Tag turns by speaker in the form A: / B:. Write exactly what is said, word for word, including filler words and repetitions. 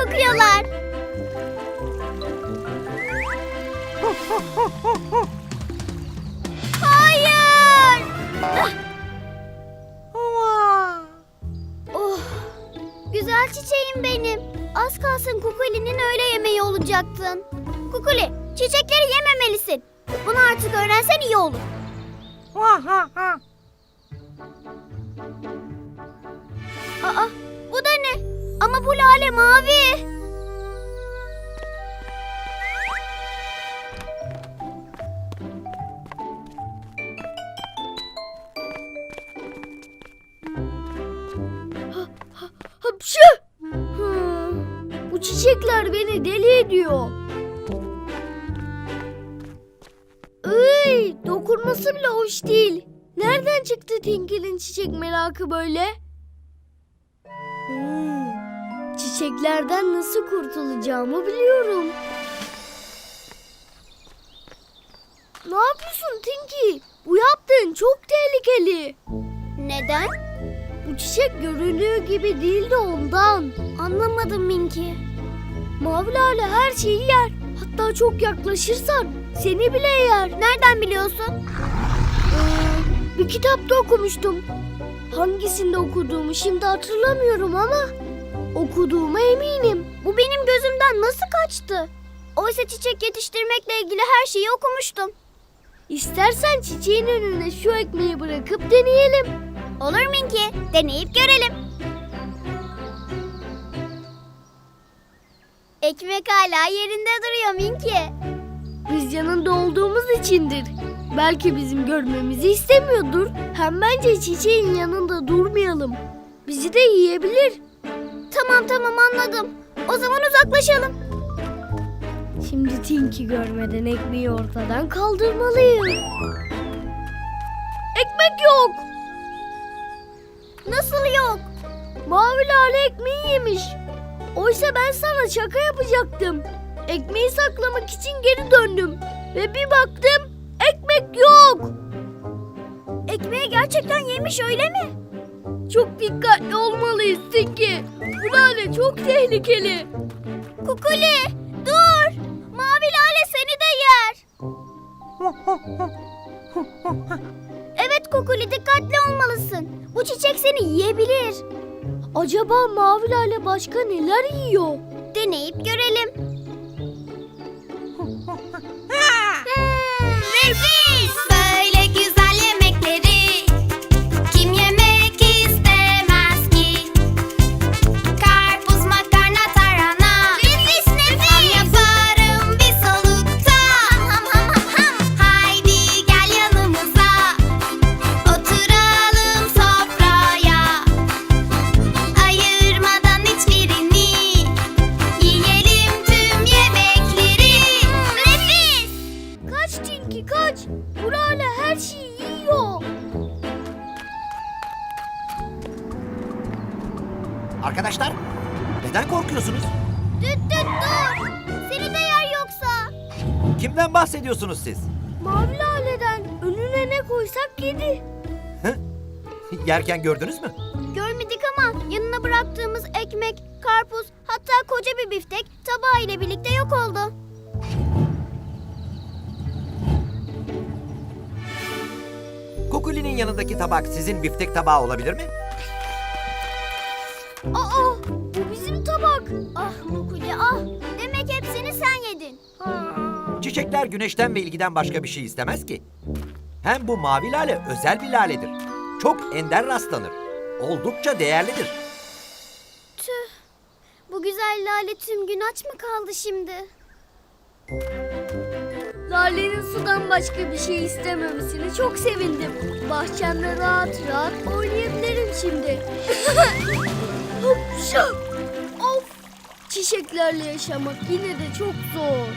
A: kokuyorlar. Hayır! Oh, güzel çiçeğim benim. Az kalsın Kukuli'nin öğle yemeği olacaktın. Kukuli, çiçekleri yememelisin. Bunu artık öğrensen iyi olur. Aa, bu da ne? Ama bu lale mavi.
B: Hapşı! Hmm, bu çiçekler beni deli ediyor. Iy, dokunması bile hoş değil. Nereden çıktı Tinky'nin çiçek merakı böyle? Hmm, çiçeklerden nasıl kurtulacağımı biliyorum. Ne yapıyorsun Tinky? Bu yaptığın çok tehlikeli.
A: Neden?
B: Bu çiçek göründüğü gibi değil de ondan.
A: Anlamadım Minki.
B: Mavi lale her şeyi yer. Hatta çok yaklaşırsan seni bile yer.
A: Nereden biliyorsun?
B: Ee, bir kitapta okumuştum. Hangisinde okuduğumu şimdi hatırlamıyorum ama okuduğuma eminim.
A: Bu benim gözümden nasıl kaçtı? Oysa çiçek yetiştirmekle ilgili her şeyi okumuştum.
B: İstersen çiçeğin önüne şu ekmeği bırakıp deneyelim.
A: Olur Minki, deneyip görelim. Ekmek hala yerinde duruyor Minki.
B: Biz yanında olduğumuz içindir. Belki bizim görmemizi istemiyordur. Hem bence çiçeğin yanında durmayalım. Bizi de yiyebilir.
A: Tamam tamam anladım. O zaman uzaklaşalım.
B: Şimdi Tinky görmeden ekmeği ortadan kaldırmalıyım. Ekmek yok.
A: Nasıl yok?
B: Mavi lale ekmeği yemiş. Oysa ben sana şaka yapacaktım. Ekmeği saklamak için geri döndüm. Ve bir baktım ekmek yok.
A: Ekmeği gerçekten yemiş öyle mi?
B: Çok dikkatli olmalıyız Tinky. Bu lale çok tehlikeli.
A: Kukuli dur. Mavi lale seni de yer. Evet Kukuli dikkatli olmalısın. Bu çiçek seni yiyebilir.
B: Acaba mavi lale başka neler yiyor?
A: Deneyip görelim.
C: Nefis! Böyle güzel yemekleri kim yemek istemez ki? Karpuz, makarna, tarhana. Nefis nefis! Ham yaparım bir solukta. Ham ham ham ham. Haydi gel yanımıza. Oturalım sofraya. Ayırmadan hiçbirini. Yiyelim tüm yemekleri. Nefis!
B: Kaç Tinky kaç. Bu lale her şeyi yiyor.
D: Arkadaşlar, neden korkuyorsunuz?
A: Düt düt dur. Seni de yer yoksa.
D: Kimden bahsediyorsunuz siz?
B: Mavi laleden önüne ne koysak yedi.
D: Yerken gördünüz mü?
A: Görmedik ama yanına bıraktığımız ekmek, karpuz, hatta koca bir biftek tabağı ile birlikte yok oldu.
D: Kukuli'nin yanındaki tabak sizin biftek tabağı olabilir mi?
B: Aa, bu bizim tabak.
A: Ah Kukuli ah. Demek hepsini sen yedin.
D: Çiçekler güneşten ve ilgiden başka bir şey istemez ki. Hem bu mavi lale özel bir laledir. Çok ender rastlanır. Oldukça değerlidir.
A: Tüh. Bu güzel lale tüm gün aç mı kaldı şimdi?
B: Lale'nin sudan başka bir şey istememesine çok sevindim. Bahçemde rahat rahat oynayabilirim şimdi. Hopşa! Of! Çiçeklerle yaşamak yine de çok zor.